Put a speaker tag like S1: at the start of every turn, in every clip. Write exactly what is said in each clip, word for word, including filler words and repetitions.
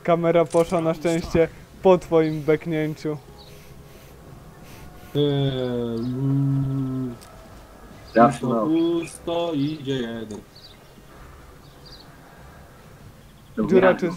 S1: Kamera poszła na szczęście po twoim beknięciu.
S2: Eee, pusto, pusto, idzie jeden.
S1: Dziura czy...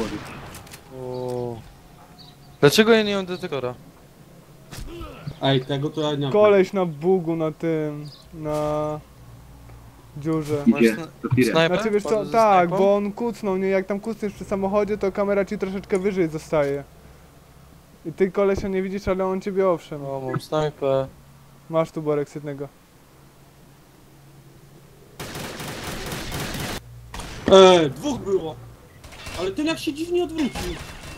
S3: O. Dlaczego ja nie mam detektora?
S2: Ej, tego to ja nie mam.
S1: Koleś na bugu na tym... na... dziurze.
S3: Masz sna snajpę?
S1: Znaczy wiesz co,
S3: Wchodzę ze
S1: tak,
S3: snajpą?
S1: bo on kucnął, nie? Jak tam kucniesz przy samochodzie, to kamera ci troszeczkę wyżej zostaje. I ty kolesia nie widzisz, ale on ciebie owszem.
S3: O, mam snajpę.
S1: Masz tu Borek jednego.
S2: Eee, dwóch było. Ale ten jak się dziwnie odwrócił.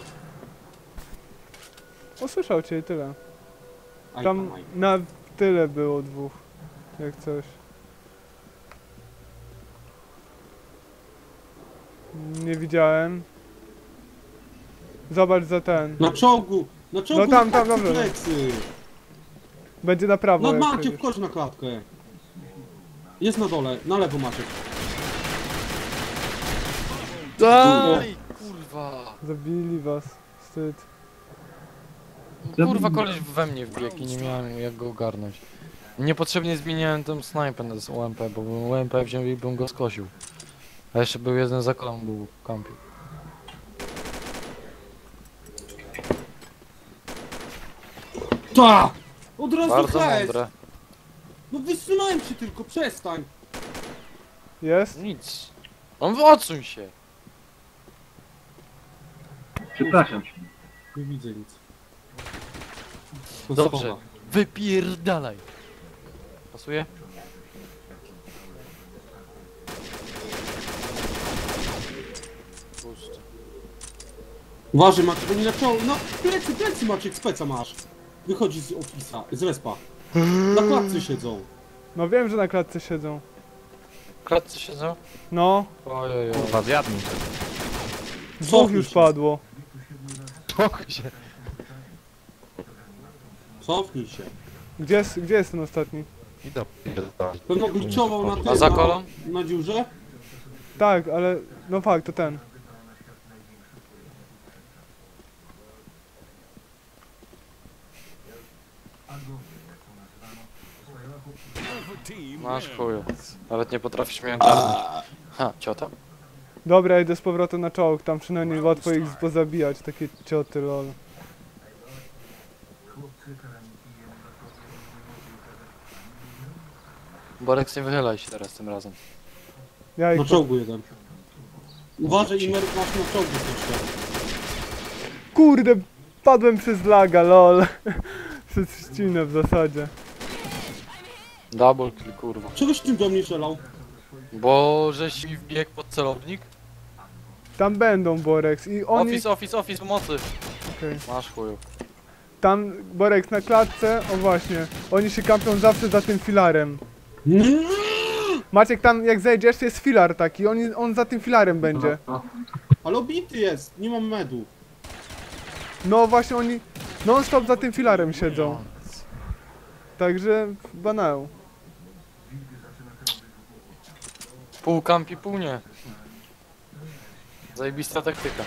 S1: Usłyszał cię i tyle.
S2: Aj,
S1: Tam
S2: aj.
S1: na tyle było dwóch. Jak coś. Nie widziałem. Zobacz za ten.
S2: Na czołgu! Na czołgu!
S1: No tam,
S2: na
S1: tam,
S2: klatce
S1: dobrze.
S2: plecy.
S1: Będzie na prawo.
S2: No
S1: jak
S2: Maciek,
S1: przejdziesz.
S2: wchodź na klatkę. Jest na dole, na lewo Maciek.
S3: Daj! Kurwa!
S1: Zabili was. Wstyd.
S3: Kurwa, koleś we mnie wbiegł i nie miałem jak go ogarnąć. Niepotrzebnie zmieniałem tą snajpę na U M P, bo bym U M P wziął i bym go skosił. A jeszcze był jeden za kolą, był w kampie.
S2: Ta! Od razu
S3: Bardzo
S2: hejs!
S3: mądre.
S2: No wysunąłem się tylko, przestań!
S1: Jest?
S3: Nic. On odsuń się!
S4: Przepraszam cię.
S2: Nie widzę nic. To
S3: Dobrze.
S2: schowa.
S3: Wypierdalaj! Pasuje? Puszczę.
S2: Uważaj Maciek, bo nie na czołgu. No plecy, plecy Maciek, speca masz. Wychodzi z ofisa, z respa. Na klatce siedzą.
S1: No wiem, że na klatce siedzą.
S3: W klatce siedzą?
S1: No.
S3: Ojej,
S5: Kurwa, zjadł mi się.
S1: Dwóch
S2: Cofnij
S1: już
S2: się.
S1: padło.
S3: spokój się.
S2: Cofnij się.
S1: Gdzie jest, gdzie jest ten ostatni?
S5: I do pierdolę.
S2: Pewno gliczował na tym,
S3: A za
S2: na,
S3: kolą?
S2: na dziurze.
S1: Tak, ale... no fakt, to ten.
S3: Masz chuju. Nawet nie potrafisz mnie ogarnąć. Ha, ciota?
S1: Dobra, idę z powrotem na czołg, tam przynajmniej łatwo ich pozabijać, takie cioty, lol.
S3: Borek, nie wychylaj się teraz tym razem.
S1: Ja ich
S2: Na czołgu jeden. Uważaj Imer, masz na czołgu jeszcze.
S1: Kurde, padłem przez laga, lol. Przez ścinę w zasadzie.
S3: Double kill, kurwa.
S2: Czegoś tym do mnie strzelał?
S3: Bo żeś mi wbiegł pod celownik?
S1: Tam będą Borex i oni...
S3: Office, office, office, pomocy!
S1: Okej.
S3: Masz chuju.
S1: Tam Borex na klatce, o właśnie. Oni się kampią zawsze za tym filarem. Maciek, tam jak zejdziesz jest filar taki, on, on za tym filarem będzie.
S2: Ale obity jest, nie mam medu.
S1: No właśnie oni non stop za tym filarem siedzą. Także banał.
S3: Pół kampi, pół nie. Zajebista taktyka.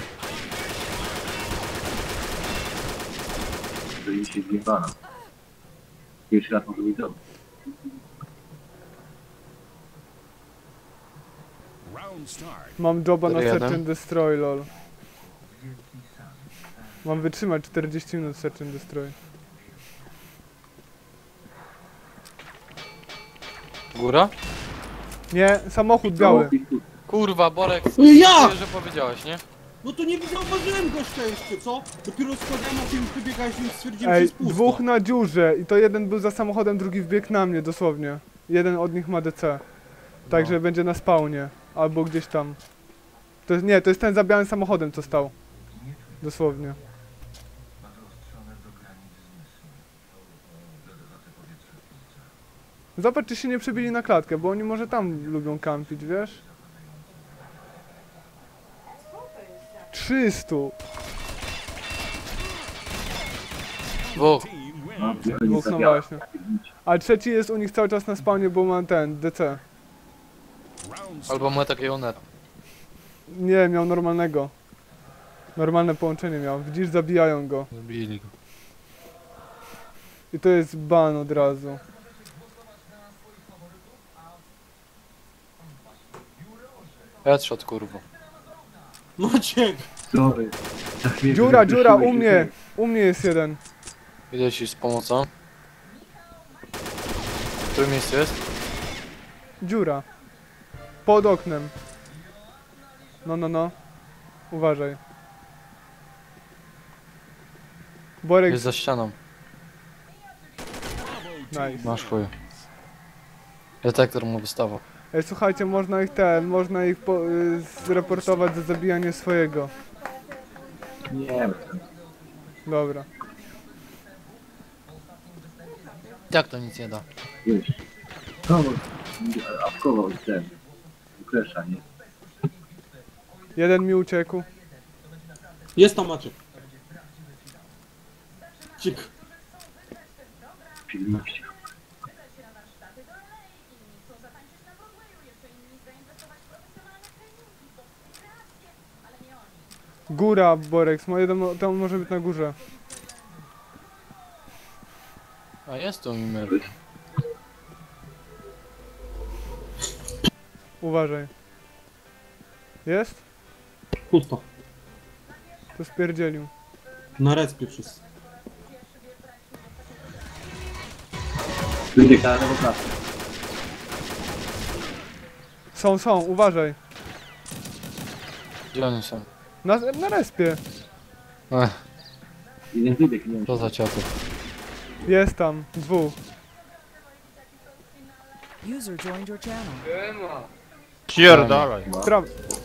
S4: To mi się zjebano. Pierwszy raz może być dobry.
S1: Mam joba na
S3: Który
S1: Search
S3: jeden?
S1: and Destroy, lol. Mam wytrzymać czterdzieści minut Search and Destroy.
S3: Góra?
S1: Nie, samochód biały.
S3: Kurwa, Borek,
S2: Ja!
S3: że powiedziałeś, nie?
S2: No to nie zauważyłem gościa jeszcze, co? Dopiero składałem, a ty już wybiegałeś, więc stwierdziłem, że
S1: Ej,
S2: jest pusto.
S1: dwóch na dziurze i to jeden był za samochodem, drugi wbiegł na mnie dosłownie. Jeden od nich ma D C. Także
S3: No.
S1: będzie na spawnie. Albo gdzieś tam. To jest, nie, to jest ten za białym samochodem, co stał. Dosłownie. Zobacz, czy się nie przebili na klatkę, bo oni może tam lubią kampić, wiesz? trzysta!
S3: Dwóch.
S4: No,
S1: Dwóch, no właśnie. A trzeci jest u nich cały czas na spawnie, bo ma ten, D C.
S3: Albo ma takiego neta.
S1: Nie, miał normalnego. Normalne połączenie miał. Widzisz, zabijają go.
S3: Zabili go.
S1: I to jest ban od razu.
S3: Headshot, kurwa.
S2: Maciek!
S4: Sorry. Za chwilę
S1: Dziura,
S4: wyprosiłeś
S1: dziura,
S4: się
S1: u mnie! U mnie jest jeden.
S3: Idę ci z pomocą. W którym miejscu jest?
S1: Dziura. Pod oknem. No, no, no. Uważaj. Borek,
S3: Jest za ścianą.
S1: nice.
S3: Masz chuj. Detektor mu wystawał.
S1: Ej, słuchajcie, można ich ten, można ich po, y, zreportować za zabijanie swojego.
S4: Nie, bez sensu.
S1: Dobra.
S3: Jak to nic nie da?
S4: Wiesz. No, apkował ten. Kresza, nie?
S1: Jeden mi uciekł.
S2: Jest tam Maciek. Cik.
S4: Pilności.
S1: Góra, Borek, moje dom, to może być na górze.
S3: A jest tu Mimer.
S1: Uważaj. Jest?
S2: Pusto.
S1: To spierdzielił.
S2: Na respie wszyscy.
S4: Wyjdzie na lewo klasę.
S1: Są, są, uważaj.
S3: Gdzie oni są?
S1: Na, na respie.
S3: Ech,
S4: Jeden wybieg, nie wiem.
S3: to za ciaty.
S1: Jest tam, dwóch.
S6: User joined your channel.
S5: Pierdalaj.
S1: Pra...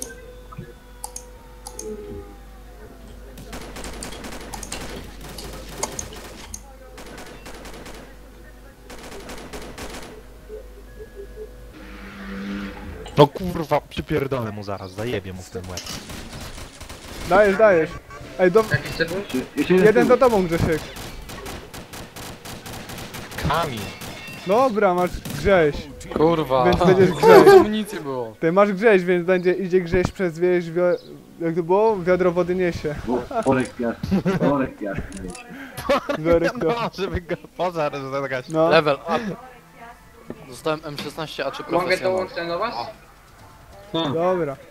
S5: No kurwa, przypierdolę mu zaraz, zajebię mu w ten łeb.
S1: Dajesz, dajesz. Ej, do...
S4: Jeszcze, jeszcze
S1: jeden za
S4: tył.
S1: tobą, Grzesiek.
S5: Kamień.
S1: Dobra, masz grześ.
S3: Kurwa.
S1: Więc będziesz
S3: Kurwa,
S1: grześ.
S3: amunicji było.
S1: Ty masz grześ, więc będzie idzie grześ przez wieś, wio... jak to było? Wiadro wody niesie.
S4: Wo- Worek piasny. Worek piasny. wiecie.
S1: Wiorek to.
S5: No, żeby go pożar zagrać.
S1: No.
S3: Level up. Dostałem M szesnaście A czy
S7: Mogę
S3: profesjonal.
S7: dołączyć do was?
S2: Tak.
S1: Dobra.